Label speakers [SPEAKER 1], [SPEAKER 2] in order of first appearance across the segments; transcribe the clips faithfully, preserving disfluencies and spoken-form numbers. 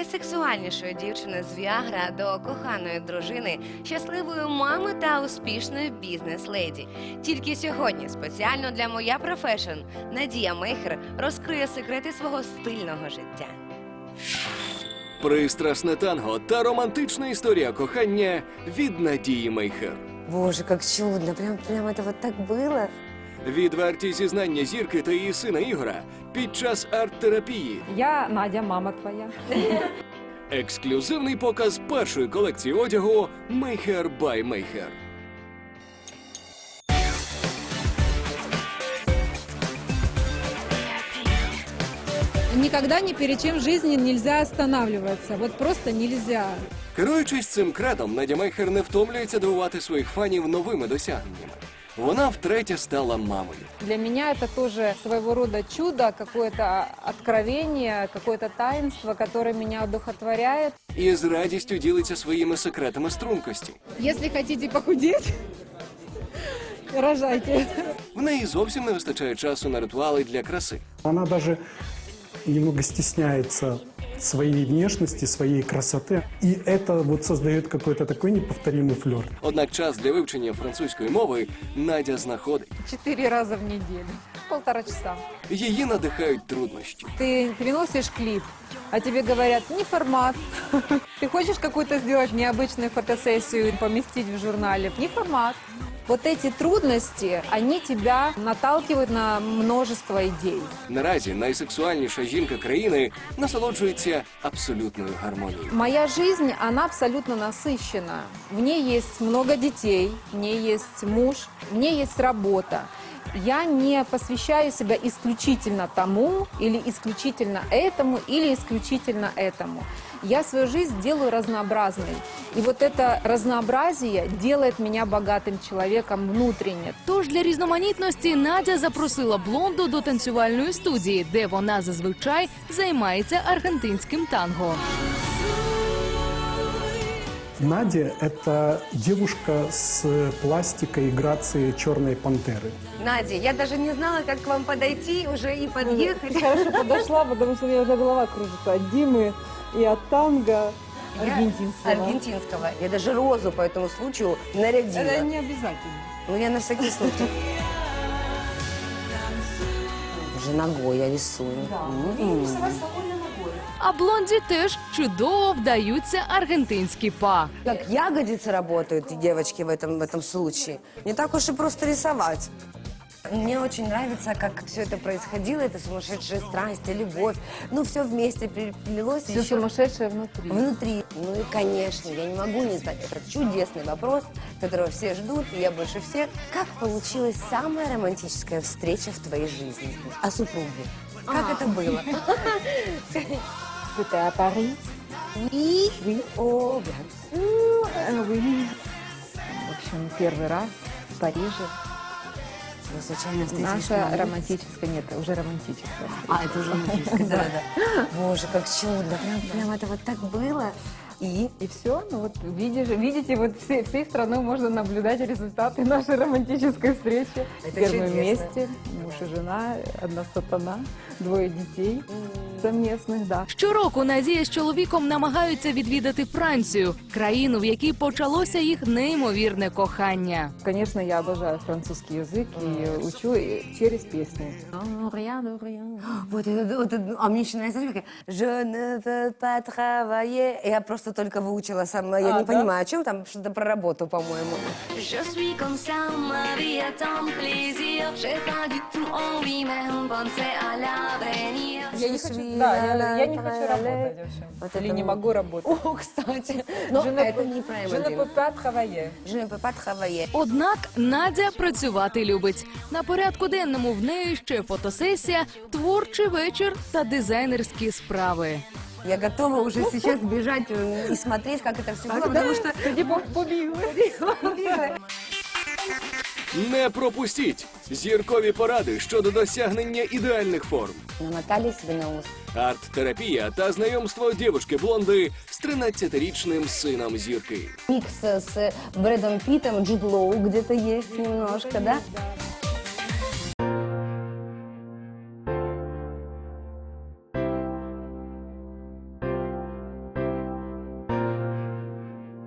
[SPEAKER 1] найсексуальнішої дівчини з Віагра до коханої дружини, щасливої мами та успішної бізнес-леді. Тільки сьогодні спеціально для «Моя Профешн» Надія Мейхер розкриє секрети свого стильного життя.
[SPEAKER 2] Пристрасне танго та романтична історія кохання від Надії Мейхер.
[SPEAKER 1] Боже, як чудно, прям, прям це вот так було.
[SPEAKER 2] Відверті зізнання зірки та її сина Ігора під час арт-терапії.
[SPEAKER 3] Я Надя, мама твоя.
[SPEAKER 2] Ексклюзивний показ першої колекції одягу Мейхер бай Мейхер.
[SPEAKER 3] Никогда ни перед чем в жизни нельзя останавливаться. Вот просто нельзя.
[SPEAKER 2] Керуючись цим кредом, Надя Мейхер не втомлюється дивувати своїх фанів новими досягненнями. Вона втретє стала мамою.
[SPEAKER 3] Для меня это тоже своего рода чудо, какое-то откровение, какое-то таинство, которое меня одухотворяет.
[SPEAKER 2] І з радістю ділиться своїми секретами стрункості.
[SPEAKER 3] Если хотите похудеть, рожайте.
[SPEAKER 2] В неї зовсім не вистачає часу на ритуали для краси.
[SPEAKER 4] Она даже немного стесняется своей внешности, своей красоты. И это вот создает какой-то такой неповторимый флёр.
[SPEAKER 2] Однак час для вивчення французької мови Надя знаходить.
[SPEAKER 3] Четыре раза в неделю. Полтора часа.
[SPEAKER 2] Її надихають труднощі.
[SPEAKER 3] Ты приносишь клип, а тебе говорят, не формат. Ты хочешь какую-то сделать необычную фотосессию и поместить в журнале? Не формат. Вот эти трудности, они тебя наталкивают на множество идей.
[SPEAKER 2] Наразі найсексуальніша жінка країни насолоджується абсолютною гармонією.
[SPEAKER 3] Моя жизнь, она абсолютно насыщена. В ней есть много детей, в ней есть муж, в ней есть работа. Я не посвящаю себя исключительно тому, или исключительно этому, или исключительно этому. Я свою жизнь делаю разнообразной. И вот это разнообразие делает меня богатым человеком внутренне.
[SPEAKER 5] Тож для різноманітності Надя запросила блонду до танцювальної студії, де вона зазвичай займається аргентинським танго.
[SPEAKER 4] Надя – это девушка с пластикой и грацией черной пантеры.
[SPEAKER 1] Надя, я даже не знала, как к вам подойти уже и подъехать.
[SPEAKER 3] Хорошо подошла, потому что у меня уже голова кружится от Димы и от танго аргентинского.
[SPEAKER 1] Аргентинского. Я даже розу по этому случаю нарядила.
[SPEAKER 3] Это не обязательно.
[SPEAKER 1] Ну, я на всякий случай. Уже ногой я рисую. М-м.
[SPEAKER 5] А блонді теж чудово вдаються аргентинські па.
[SPEAKER 1] Как ягодицы работают, девочки, в этом, в этом случае. Не так уж и просто рисовать. Мне очень нравится, как все это происходило, это сумасшедшая страсть, любовь. Ну, все вместе переплелось.
[SPEAKER 3] Все
[SPEAKER 1] еще
[SPEAKER 3] сумасшедшее внутри.
[SPEAKER 1] внутри. Ну и, конечно, я не могу не задать этот чудесный вопрос, которого все ждут, и я больше всех. Как получилась самая романтическая встреча в твоей жизни? О супруге. Как
[SPEAKER 3] А.
[SPEAKER 1] это было?
[SPEAKER 3] Это Париж.
[SPEAKER 1] Oui.
[SPEAKER 3] Oui.
[SPEAKER 1] О, bien.
[SPEAKER 3] Э, oui. В общем, первый раз в Париже.
[SPEAKER 1] Вы случайно встретились на
[SPEAKER 3] Наша
[SPEAKER 1] улице?
[SPEAKER 3] романтическая, нет, уже романтическая.
[SPEAKER 1] А, это уже романтическое, да-да. Боже, как чудно. Прям, прям это вот так было. И?
[SPEAKER 3] И все, ну вот видишь, видите, вот всей, всей страной можно наблюдать результаты нашей романтической встречи.
[SPEAKER 1] Это
[SPEAKER 3] Первые
[SPEAKER 1] чудесно.
[SPEAKER 3] вместе, муж и жена, одна сатана, двое детей совместных, да.
[SPEAKER 5] Щороку Надія з чоловіком намагаються відвідати Францію, країну, в якій почалося їх неймовірне кохання.
[SPEAKER 3] Конечно, я обожаю французский язык и учу через песни.
[SPEAKER 1] Вот это, вот это, а мне еще нравится, знаешь, как «Je ne veux pas travailler». Я просто только выучила сама, я
[SPEAKER 3] А,
[SPEAKER 1] не
[SPEAKER 3] да?
[SPEAKER 1] понимаю, о чем там, что-то про работу, по-моему.
[SPEAKER 6] Je suis comme ça, ma vie est un plaisir. J'ai pas du tout envie, même penser à l'avenir.
[SPEAKER 3] Я не хочу, да, я, я не хочу работать, в общем.
[SPEAKER 1] Вот
[SPEAKER 3] Или
[SPEAKER 1] это
[SPEAKER 3] не
[SPEAKER 1] вот.
[SPEAKER 3] могу работать.
[SPEAKER 1] О, кстати, но
[SPEAKER 3] Je ne
[SPEAKER 1] это
[SPEAKER 3] peux-
[SPEAKER 1] не про
[SPEAKER 3] Je ne peux
[SPEAKER 1] Эмодин.
[SPEAKER 3] pas travailler.
[SPEAKER 1] Je ne peux pas travailler.
[SPEAKER 5] Однак Надя працювати любить. На порядку денному в неї ще фотосесія, творчий вечір та дизайнерські справи.
[SPEAKER 1] Я готова уже сейчас бежать э, и смотреть, как это все было, потому что...
[SPEAKER 3] Тоді побігли.
[SPEAKER 2] Не пропустіть зіркові поради щодо досягнення ідеальних форм.
[SPEAKER 1] Намотали себе на ус.
[SPEAKER 2] Арт-терапія та знайомство дівчинки-блонди з тринадцятирічним сином зірки.
[SPEAKER 1] Микс с Брэдом Питтом, Джуд Лоу где-то есть немножко, да?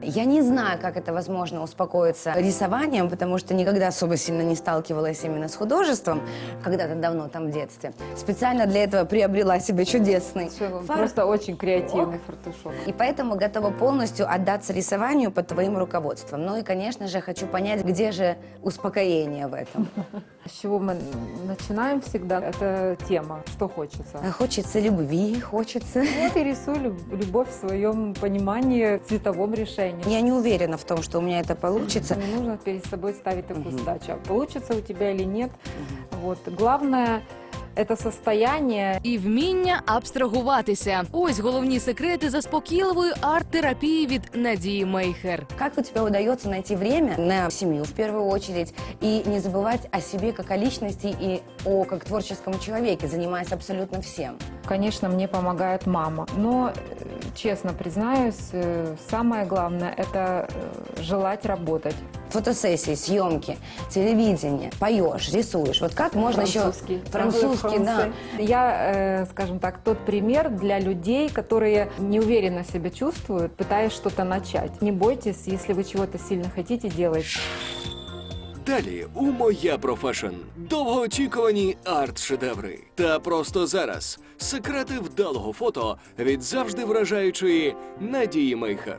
[SPEAKER 7] Я не знаю, как это возможно успокоиться рисованием, потому что никогда особо сильно не сталкивалась именно с художеством, когда-то давно там в детстве. Специально для этого приобрела себе чудесный
[SPEAKER 3] Всё,
[SPEAKER 7] фартук.
[SPEAKER 3] Просто очень креативный фартушок.
[SPEAKER 7] И поэтому готова полностью отдаться рисованию под твоим руководством. Ну и, конечно же, хочу понять, где же успокоение в этом.
[SPEAKER 3] С чего мы начинаем всегда? Это тема, что хочется.
[SPEAKER 7] Хочется любви, хочется...
[SPEAKER 3] Вот и рисую люб- любовь в своем понимании, цветовом решении.
[SPEAKER 7] Я не уверена в том, что у меня это получится.
[SPEAKER 3] Не нужно перед собой ставить такую задачу. Получится у тебя или нет. Вот. Главное это состояние.
[SPEAKER 5] І вміння абстрагуватися. Ось головні секрети заспокійливої арт-терапії від Надії Мейхер.
[SPEAKER 7] Как у тебя удается найти время на семью в первую очередь и не забывать о себе как о личности и о как творческом человеке, занимаясь абсолютно всем?
[SPEAKER 3] Конечно, мне помогает мама. Но, э, честно признаюсь, э, самое главное – это э, желать работать.
[SPEAKER 7] Фотосессии, съемки, телевидение, поешь, рисуешь. Вот как можно
[SPEAKER 3] Французский.
[SPEAKER 7] еще... Французский, да.
[SPEAKER 3] Я, э, скажем так, тот пример для людей, которые неуверенно себя чувствуют, пытаясь что-то начать. Не бойтесь, если вы чего-то сильно хотите делать.
[SPEAKER 2] Далі у «Моя профешн» довгоочікувані арт-шедеври. Та просто зараз секрети вдалого фото від завжди вражаючої Надії Мейхер.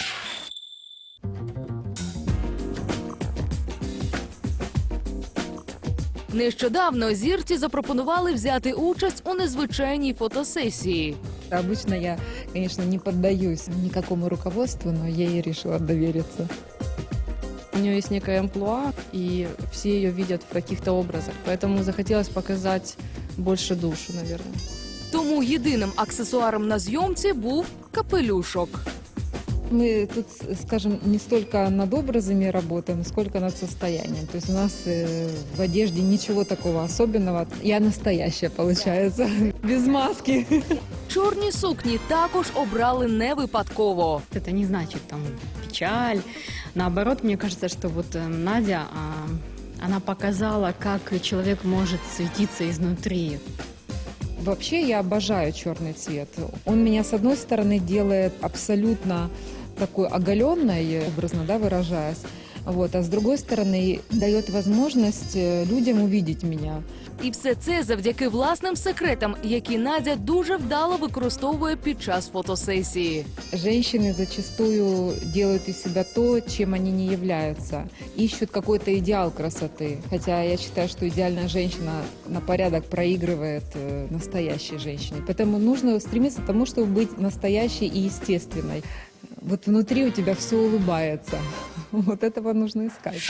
[SPEAKER 5] Нещодавно зірці запропонували взяти участь у незвичайній фотосесії.
[SPEAKER 8] Обычно я, конечно, не поддаюсь никакому руководству, но ей решила довериться. У нее есть некая амплуа, и все ее видят в каких-то образах, поэтому захотелось показать больше душу, наверное.
[SPEAKER 5] Тому єдиним аксесуаром на зйомці був капелюшок.
[SPEAKER 8] Мы тут, скажем, не столько над образами работаем, сколько над состоянием. То есть у нас э, в одежде ничего такого особенного. Я настоящая, получается, без маски.
[SPEAKER 5] Чорні сукні також обрали не випадково.
[SPEAKER 9] Это не значит там печаль. Наоборот, мне кажется, что вот э, Надя, а, она показала, как человек может светиться изнутри.
[SPEAKER 8] Вообще я обожаю черный цвет. Он меня, с одной стороны, делает абсолютно такой оголенной, образно, да, выражаясь, вот, а с другой стороны, дает возможность людям увидеть меня.
[SPEAKER 5] І все це завдяки власним секретам, які Надя дуже вдало використовує під час фотосесії.
[SPEAKER 8] Женщины зачастую делают из себя то, чем они не являются. Ищут какой-то идеал красоты. Хотя я считаю, что идеальная женщина на порядок проигрывает э, настоящей женщине. Поэтому нужно стремиться к тому, чтобы быть настоящей и естественной. Вот внутри у тебя все улыбается. Вот этого нужно искать.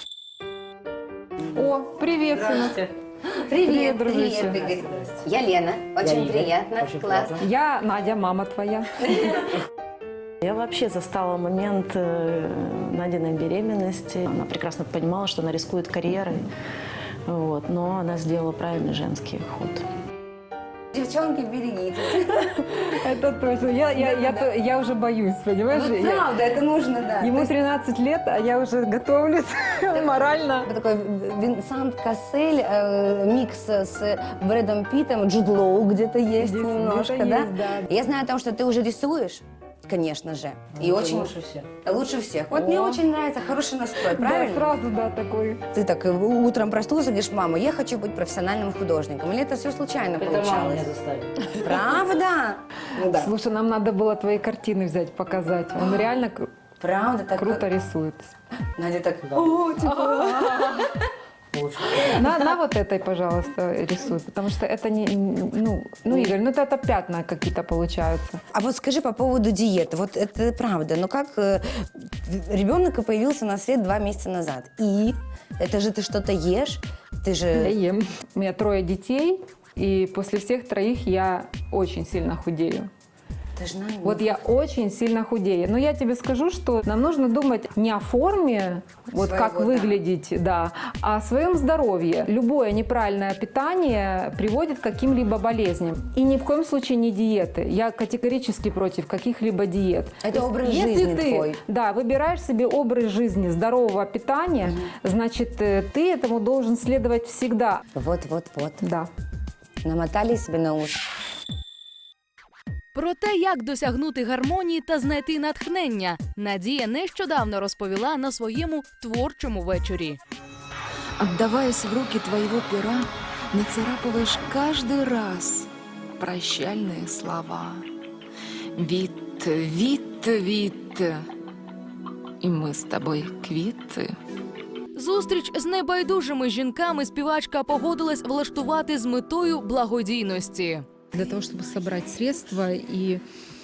[SPEAKER 3] О, привет, сынок.
[SPEAKER 7] Привет,
[SPEAKER 3] дружище.
[SPEAKER 7] привет, Игорь. Я Лена, очень приятно, класс.
[SPEAKER 3] Я Надя, мама твоя.
[SPEAKER 10] Я вообще застала момент э, Надиной беременности. Она прекрасно понимала, что она рискует карьерой, вот, но она сделала правильный женский ход.
[SPEAKER 7] Девчонки, берегитесь.
[SPEAKER 3] Это точно. Я, я, я, то- я уже боюсь, понимаешь?
[SPEAKER 7] Ну,
[SPEAKER 3] Я-
[SPEAKER 7] правда, это нужно, да. То
[SPEAKER 3] Ему
[SPEAKER 7] есть
[SPEAKER 3] тринадцать лет, а я уже готовлюсь морально.
[SPEAKER 7] такой Винсент Кассель, э, микс с Брэдом Питтом, Джуд Лоу где-то есть
[SPEAKER 3] Здесь
[SPEAKER 7] немножко,
[SPEAKER 3] где-то
[SPEAKER 7] да?
[SPEAKER 3] есть, да.
[SPEAKER 7] Я знаю о том, что ты уже рисуешь, конечно же. И очень... Лучше всех. Лучше всех. Вот
[SPEAKER 3] О.
[SPEAKER 7] мне очень нравится хороший настрой,
[SPEAKER 3] Да,
[SPEAKER 7] правильно?
[SPEAKER 3] сразу, да, такой.
[SPEAKER 7] Ты так э, утром проснулся и говоришь: мама, я хочу быть профессиональным художником. Или это все случайно получалось? Правда? Ну да.
[SPEAKER 3] Слушай, нам надо было твои картины взять, показать. Он реально кру-
[SPEAKER 7] Правда? Так
[SPEAKER 3] круто рисует.
[SPEAKER 7] Надя так... О, типа...
[SPEAKER 3] На, на вот этой, пожалуйста, рисуй, потому что это не, ну, ну, Игорь, ну это, это пятна какие-то получаются.
[SPEAKER 7] А вот скажи по поводу диеты. Вот это правда. Но как э, ребенок появился на свет два месяца назад. И это же ты что-то ешь? Ты
[SPEAKER 3] Я
[SPEAKER 7] же...
[SPEAKER 3] ем. У меня трое детей, и после всех троих я очень сильно худею.
[SPEAKER 7] Ты же знаешь,
[SPEAKER 3] Вот я очень сильно худею. Но я тебе скажу, что нам нужно думать не о форме, вот
[SPEAKER 7] Своего,
[SPEAKER 3] как
[SPEAKER 7] да.
[SPEAKER 3] выглядеть, да, а о своем здоровье. Любое неправильное питание приводит к каким-либо болезням. И ни в коем случае не диеты. Я категорически против каких-либо диет.
[SPEAKER 7] Это
[SPEAKER 3] То есть,
[SPEAKER 7] образ
[SPEAKER 3] если
[SPEAKER 7] жизни
[SPEAKER 3] ты,
[SPEAKER 7] твой.
[SPEAKER 3] Да, выбираешь себе образ жизни здорового питания, значит, э, ты этому должен следовать всегда.
[SPEAKER 7] Вот, вот, вот.
[SPEAKER 3] Да.
[SPEAKER 7] Намотали себе на уши.
[SPEAKER 5] Про те, як досягнути гармонії та знайти натхнення, Надія нещодавно розповіла на своєму творчому вечорі.
[SPEAKER 8] Отдаваясь в руки твоего пера, нацарапываешь каждый раз прощальные слова. Вит, вит, вит, и мы с тобой квиты.
[SPEAKER 5] Зустріч з небайдужими жінками співачка погодилась влаштувати з метою благодійності.
[SPEAKER 8] Для того, чтобы собрать средства и,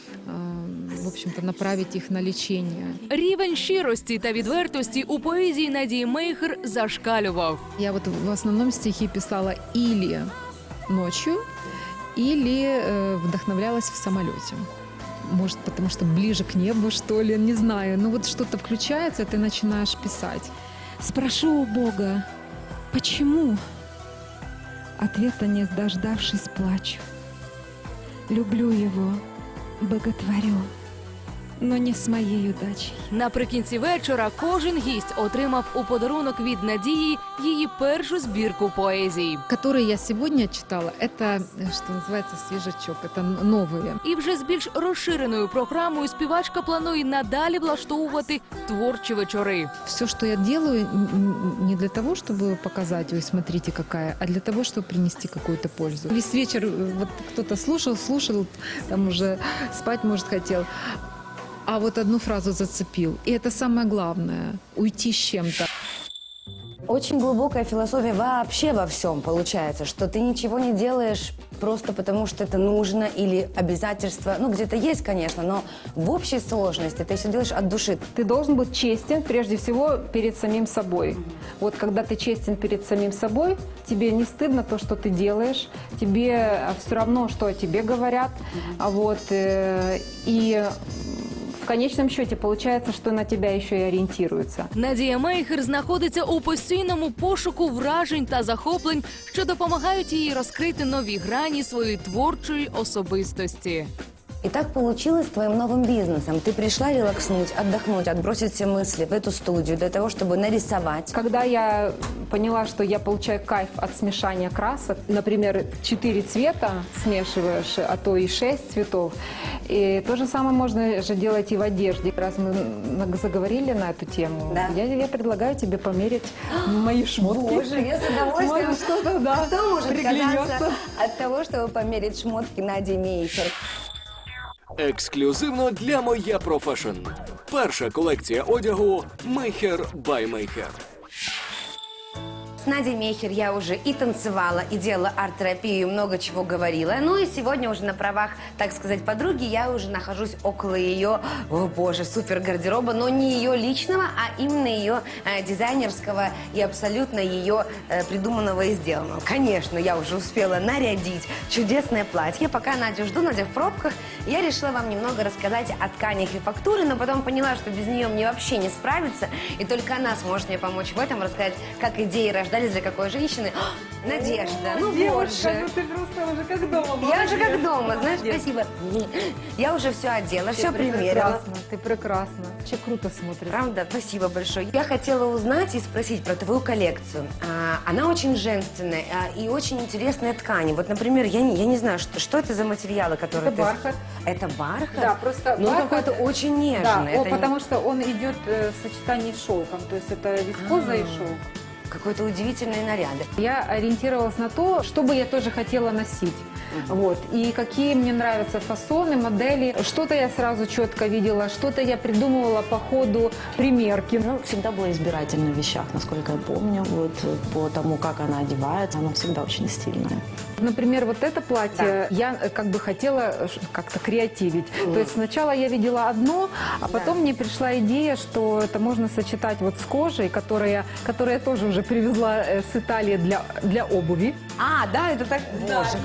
[SPEAKER 8] в общем-то, направить их на лечение.
[SPEAKER 5] Рівень щирості та відвертості у поезії Надії Мейхер зашкалював.
[SPEAKER 8] Я вот в основном стихи писала или ночью, или э, вдохновлялась в самолете. Может, потому что ближе к небу, что ли, не знаю. Но вот что-то включается, и ты начинаешь писать. Спрошу у Бога, почему? Ответа не дождавшись, плачу. Люблю его, боготворю, но не с моей удачей.
[SPEAKER 5] Наприкінці вечора кожен гість отримав у подарунок від Надії її першу збірку поезії.
[SPEAKER 8] Которые я сегодня читала, это, что называется, свежачок, это новые.
[SPEAKER 5] І вже з більш розширеною програмою співачка планує надалі влаштовувати творчі вечори.
[SPEAKER 8] Все, что я делаю, н- не для того, чтобы показать, ой, смотрите какая, а для того, чтобы принести какую-то пользу. Весь вечер э, вот кто-то слушал, слушал, там уже спать, может, хотел, а вот одну фразу зацепил. И это самое главное – уйти с чем-то.
[SPEAKER 7] Очень глубокая философия вообще во всем получается, что ты ничего не делаешь просто потому, что это нужно или обязательство. Ну, где-то есть, конечно, но в общей сложности ты все делаешь от души.
[SPEAKER 3] Ты должен быть честен прежде всего перед самим собой. Вот когда ты честен перед самим собой, тебе не стыдно то, что ты делаешь, тебе все равно, что о тебе говорят. А вот, э, и в конечном счете получается, что на тебя еще и ориентируются.
[SPEAKER 5] Надія Мейхер знаходиться у постійному пошуку вражень та захоплень, що допомагають їй розкрити нові грані своєї творчої особистості.
[SPEAKER 7] И так получилось с твоим новым бизнесом. Ты пришла релакснуть, отдохнуть, отбросить все мысли в эту студию для того, чтобы нарисовать.
[SPEAKER 3] Когда я поняла, что я получаю кайф от смешания красок, например, четыре цвета смешиваешь, а то и шесть цветов, и то же самое можно же делать и в одежде. Раз мы на- заговорили на эту тему,
[SPEAKER 7] Да.
[SPEAKER 3] я, я предлагаю тебе померить мои шмотки.
[SPEAKER 7] Боже, я с удовольствием.
[SPEAKER 3] Может, что-то, да,
[SPEAKER 7] Кто может
[SPEAKER 3] приглянется.
[SPEAKER 7] отказаться от того, чтобы померить шмотки Нади Мейхер?
[SPEAKER 2] Ексклюзивно для Моя Профешн. Перша колекція одягу Мейхер by Мейхер.
[SPEAKER 1] С Надей Мейхер я уже и танцевала, и делала арт-терапию, и много чего говорила. Ну и сегодня уже на правах, так сказать, подруги я уже нахожусь около ее, о боже, супер гардероба, но не ее личного, а именно ее э, дизайнерского и абсолютно ее э, придуманного и сделанного. Конечно, я уже успела нарядить чудесное платье. Пока Надю жду, Надя в пробках, я решила вам немного рассказать о тканях и фактуре, но потом поняла, что без нее мне вообще не справиться, и только она сможет мне помочь в этом, рассказать, как идеи рождались для какой женщины. О, Надежда, ну
[SPEAKER 3] Девушка,
[SPEAKER 1] боже.
[SPEAKER 3] ну ты просто уже как дома.
[SPEAKER 1] Я уже как
[SPEAKER 3] молодец.
[SPEAKER 1] дома, знаешь,
[SPEAKER 3] Молодец.
[SPEAKER 1] спасибо. Я уже все одела, все
[SPEAKER 3] Ты
[SPEAKER 1] примерила.
[SPEAKER 3] прекрасна, ты прекрасна. Вообще круто смотришь.
[SPEAKER 1] Правда? Спасибо большое. Я хотела узнать и спросить про твою коллекцию. А, она очень женственная а, и очень интересные ткани. Вот, например, я не, я не знаю, что, что это за материалы, которые
[SPEAKER 3] Это
[SPEAKER 1] ты...
[SPEAKER 3] бархат.
[SPEAKER 1] Это бархат?
[SPEAKER 3] Да, просто
[SPEAKER 1] Ну,
[SPEAKER 3] бархат-
[SPEAKER 1] какой-то очень нежный.
[SPEAKER 3] Да,
[SPEAKER 1] Это
[SPEAKER 3] о,
[SPEAKER 1] не-
[SPEAKER 3] потому что он идет э, в сочетании с шелком, то есть это вискоза и шелк.
[SPEAKER 1] Какой-то удивительные наряды.
[SPEAKER 3] Я ориентировалась на то, что бы я тоже хотела носить. Вот. И какие мне нравятся фасоны, модели. Что-то я сразу четко видела, что-то я придумывала по ходу примерки.
[SPEAKER 10] Ну, всегда была избирательна в вещах, насколько я помню. Вот э, по тому, как она одевается, она всегда очень стильная.
[SPEAKER 3] Например, вот это платье я э, как бы хотела э, ш- как-то креативить. То есть сначала я видела одно, а потом мне пришла идея, что это можно сочетать вот с кожей, которая, которая я тоже уже привезла э, с Италии для, для обуви.
[SPEAKER 1] А, да, это так... Боже.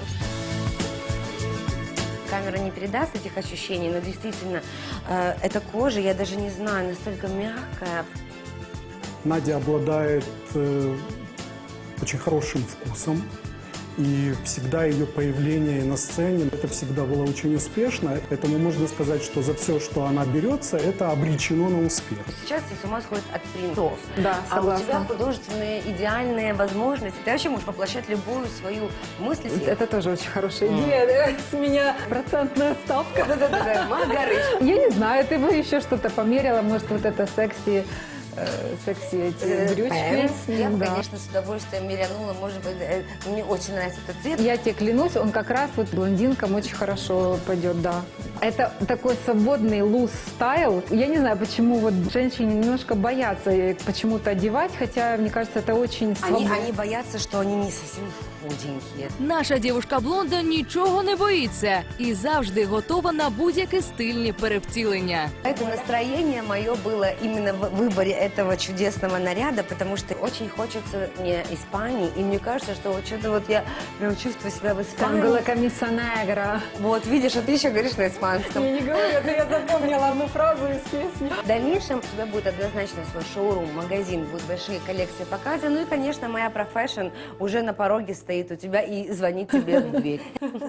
[SPEAKER 1] Камера не передаст этих ощущений, но действительно, э, эта кожа, я даже не знаю, настолько мягкая.
[SPEAKER 4] Надя обладает э, очень хорошим вкусом и всегда ее появление на сцене, это всегда было очень успешно. Поэтому можно сказать, что за все, что она берется, это обречено на успех.
[SPEAKER 7] Сейчас все с ума сходят от принтов.
[SPEAKER 3] Да,
[SPEAKER 7] А у
[SPEAKER 3] согласна.
[SPEAKER 7] тебя художественные идеальные возможности. Ты вообще можешь воплощать любую свою мысль.
[SPEAKER 3] Это тоже очень хорошая идея. С меня процентная ставка.
[SPEAKER 7] Да-да-да, Маргарыч.
[SPEAKER 3] Я не знаю, ты бы еще что-то померила, может, вот это секси, э, секси эти брючки.
[SPEAKER 7] Я бы,
[SPEAKER 3] Да.
[SPEAKER 7] конечно, с удовольствием мерянула. Может быть, э, мне очень нравится этот цвет.
[SPEAKER 3] Я тебе клянусь, он как раз вот блондинкам очень хорошо пойдет, да. Это такой свободный луз-стайл. Я не знаю, почему вот женщины немножко боятся почему-то одевать, хотя, мне кажется, это очень
[SPEAKER 7] Они,
[SPEAKER 3] свободно.
[SPEAKER 7] они боятся, что они не совсем худенькие.
[SPEAKER 5] Наша дівушка-блонда нічого не боїться і завжди готова на будь-які стильні перевтілення.
[SPEAKER 7] Это настроение мое было именно в выборе этого чудесного наряда, потому что очень хочется мне Испании, и мне кажется, что вот что-то вот я прям чувствую себя в Испании.
[SPEAKER 3] Ангола Камиса Негра.
[SPEAKER 7] Вот, видишь, а ты еще говоришь на испанском.
[SPEAKER 3] Я не говорю, это я запомнила одну фразу из песни.
[SPEAKER 7] В дальнейшем у тебя будет однозначно свой шоурум, магазин, будут большие коллекции показа. Ну и, конечно, моя профессион уже на пороге стоит у тебя и звонит тебе в дверь.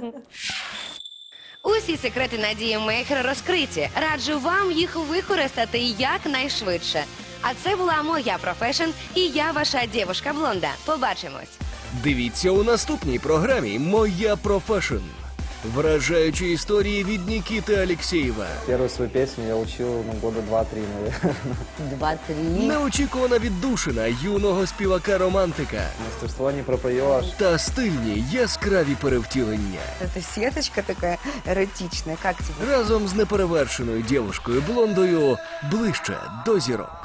[SPEAKER 1] Усі секрети Надії Мейхер розкриті. Раджу вам їх використати якнайшвидше. А це була моя профешн і я ваша дівушка-блонда. Побачимось.
[SPEAKER 2] Дивіться у наступній програмі «Моя профешн». Вражаючі історії від Нікіти Алєксєєва.
[SPEAKER 11] Первую свою песню я учил ну, года два-три, наверное.
[SPEAKER 7] Два-три.
[SPEAKER 2] Неочікувана віддушина юного співака-романтика.
[SPEAKER 11] Мастерство не пропоешь.
[SPEAKER 2] Та стильні яскраві перевтілення.
[SPEAKER 7] Это сеточка такая эротичная. Как тебе?
[SPEAKER 2] Разом з неперевершеною дівушкою-блондою ближче до зірок.